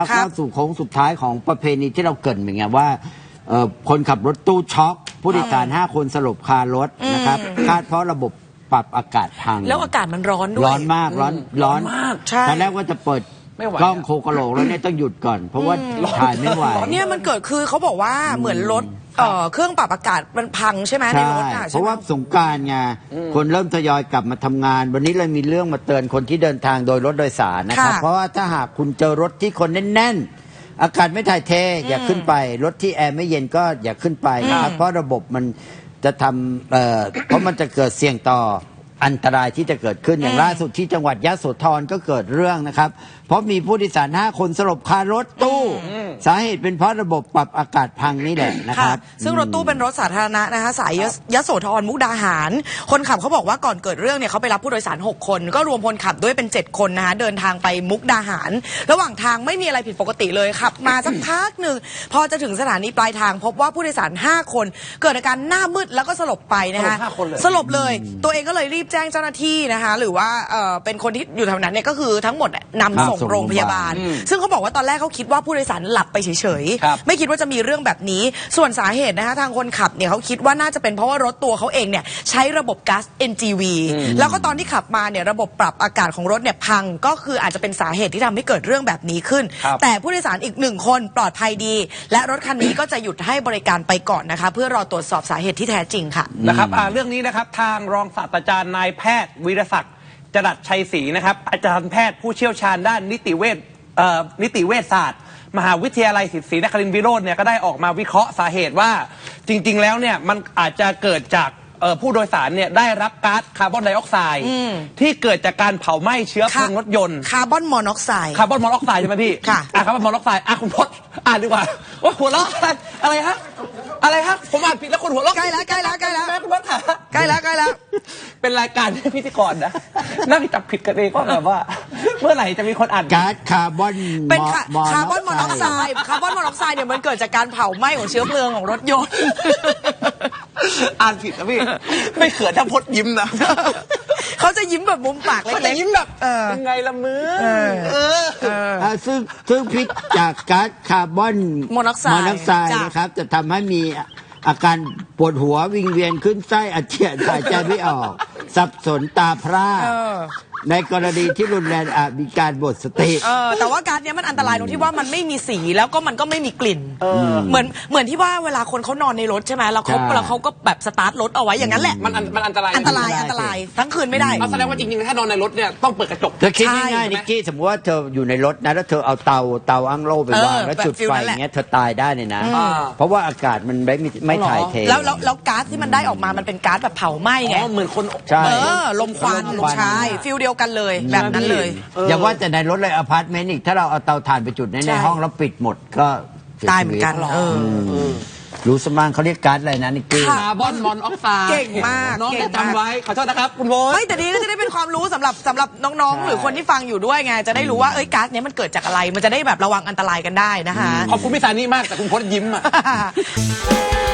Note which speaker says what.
Speaker 1: เข้าสู่โค้งสุดท้ายของประเพณีที่เราเกริ่นเป็นไงว่าคนขับรถตู้ช็อกผู้โดยสาร5 คนสลบคารถนะครับคาดเพราะระบบปรับอากาศพัง
Speaker 2: แล้วอากาศมันร้อนด้วย
Speaker 1: ร้อนมากร้อน
Speaker 2: มาก
Speaker 1: ตอนแรกว่าจะเปิดกล้องโคกะโหลกแล้วเนี่ยต้องหยุดก่อนเพราะว่าถ่ายไม่ไหว
Speaker 2: เนี่ยมันเกิดคือเขาบอกว่าเหมือนรถเครื่องปรับอากาศมันพังใช่ไหมในรถ
Speaker 1: เพราะว่าสงกรานต์ไงคนเริ่มทยอยกลับมาทำงานวันนี้เลยมีเรื่องมาเตือนคนที่เดินทางโดยรถโดยสารนะครับเพราะว่าถ้าหากคุณเจอรถที่คนแน่นๆอากาศไม่ถ่ายเทอย่าขึ้นไปรถที่แอร์ไม่เย็นก็อย่าขึ้นไปนะครับเพราะระบบมันจะทำเพราะมันจะเกิดเสี่ยงต่ออันตรายที่จะเกิดขึ้นอย่างล่าสุดที่จังหวัดยโสธรก็เกิดเรื่องนะครับเพราะมีผู้โดยสาร5 คนสลบคารถตู้สาเหตุเป็นเพราะระบบปรับอากาศพังนี่แหละนะครับ
Speaker 2: ซึ่งรถตู้เป็นรถสาธารณะนะคะสายยโสธรมุกดาหารคนขับเขาบอกว่าก่อนเกิดเรื่องเนี่ยเขาไปรับผู้โดยสาร6 คนก็รวมคนขับด้วยเป็น7 คนนะคะเดินทางไปมุกดาหารระหว่างทางไม่มีอะไรผิดปกติเลยขับมาสักพักหนึ่งพอจะถึงสถานีปลายทางพบว่าผู้โดยสาร5 คนเกิดอาการหน้ามืดแล้วก็สลบไปนะคะสลบเลยตัวเองก็เลยรีบแจ้งเจ้าหน้าที่นะคะหรือว่าเป็นคนที่อยู่แถวนั้นเนี่ยก็คือทั้งหมดนำส่งโรงพยาบาลซึ่งเขาบอกว่าตอนแรกเขาคิดว่าผู้โดยสารหลับไปเฉยๆไม่คิดว่าจะมีเรื่องแบบนี้ส่วนสาเหตุนะคะทางคนขับเนี่ยเขาคิดว่าน่าจะเป็นเพราะว่ารถตัวเขาเองเนี่ยใช้ระบบก๊าซ NGV แล้วก็ตอนที่ขับมาเนี่ยระบบปรับอากาศของรถเนี่ยพังก็คืออาจจะเป็นสาเหตุที่ทำให้เกิดเรื่องแบบนี้ขึ้นแต่ผู้โดยสารอีก1 คนปลอดภัยดีและรถคันนี้ก็จะหยุดให้บริการไปก่อนนะคะเพื่อรอตรวจสอบสาเหตุที่แท้จริงค่ะ
Speaker 3: นะครับเรื่องนี้นะครับทางรองศาสตราจารย์นายแพทย์วีรศักดิ์จรัสชัยศรีนะครับอาจารย์แพทย์ผู้เชี่ยวชาญด้านนิติเวชศาสตร์มหาวิทยาลัยศรีนครินทร์วิโรจน์เนี่ยก็ได้ออกมาวิเคราะห์สาเหตุว่าจริงๆแล้วเนี่ยมันอาจจะเกิดจากผู้โดยสารเนี่ยได้รับก๊าซคาร์บอนไดออกไซด์ที่เกิดจากการเผาไหม้เชื้อเพลิงรถยนต์
Speaker 2: คาร์บอนมอนอกไซด์
Speaker 3: ใช่ไหมพี่
Speaker 2: ค่ะ
Speaker 3: คาร์บอนมอนอกไซด์คุณพจน์อ่านดีกว่าว่าหัวเราะอะไรฮะผมอ่านผิดแล้วคนหัวเราะ
Speaker 2: ใกล้แล้ว
Speaker 3: แม่คุณพจน์
Speaker 2: ใกล้แล้ว
Speaker 3: เป็นรายการที่พิธีกรนะน่าจะจับผิดกันเองก็แบบว่าเมื่อไหร่จะมีคนอ่าน
Speaker 1: ก๊าซคาร์บอน
Speaker 2: เป็นคาร์บอนมอนอกไซด์เนี่ยมันเกิดจากการเผาไหม้ของเชื้อเพลิงของรถยนต์
Speaker 3: อ่านผิดนะพี่ไม่เขินถ้าพจน์ยิ้มนะ
Speaker 2: เขาจะยิ้มแบบมุมปากเล็ก
Speaker 3: ๆยิ้มแบบยังไงละมือ
Speaker 1: ซึ่งพิษจากก๊าซคาร์บอน
Speaker 2: มอนอกไซด์
Speaker 1: นะครับจะทำให้มีอาการปวดหัววิงเวียนขึ้นไส้อาเจียนหายใจไม่ออกสับสนตาพร่าในกรณีที่รุนแรงอาจมีการหมดสติ
Speaker 2: แต่ว่าก๊าซเนี้ยมันอันตรายตรงที่ว่ามันไม่มีสีแล้วก็มันก็ไม่มีกลิ่นเหมือนที่ว่าเวลาคนเขานอนในรถใช่ไหมแล้วเขาก็แบบสตาร์ทรถเอาไว้อย่างนั้นแหละ
Speaker 3: มันอันตราย
Speaker 2: ทั้งคืนไม่ได้
Speaker 3: แสดงว่าจริงๆถ้านอนในรถเนี่ยต้องเปิดกระจก
Speaker 1: เธอคิดง่ายๆนิกกี้สมมติว่าเธออยู่ในรถนะแล้วเธอเอาเตาอั้งโล่ไปวางแล้วจุดไฟอย่างเงี้ยเธอตายได้เลยนะเพราะว่าอากาศมันไม่ถ่ายเท
Speaker 2: แล้วก๊าซที่มันได้ออกมามันเป็นก๊าซแบบเผาไหม้ไง
Speaker 3: เหมือนคน
Speaker 2: ลมควันใช่ฟิลเดียวกันเลยแบบนั้นเลย
Speaker 1: อย่าว่าแต่ในรถเลยอพาร์ตเมนต์อีกถ้าเราเอาเตาถ่านไปจุดในห้องแล้วปิดหมดก็
Speaker 2: ตายเหมือนกัน
Speaker 1: รู้สมั่งเขาเรียกก๊าซอะไรนะนิกกี้
Speaker 3: คาร์บอนมอนอกไซด์
Speaker 2: เก่งมาก
Speaker 3: น้องจำไว้ขอโทษนะครับคุณโบ
Speaker 2: ไม่แต่ดีก็จะได้เป็นความรู้สำหรับน้องๆหรือคนที่ฟังอยู่ด้วยไงจะได้รู้ว่าก๊าซนี้มันเกิดจากอะไรมันจะได้แบบระวังอันตรายกันได้นะคะ
Speaker 3: ขอบคุณพี่สานี่มากแต่คุณพจน์ยิ้มอ่ะ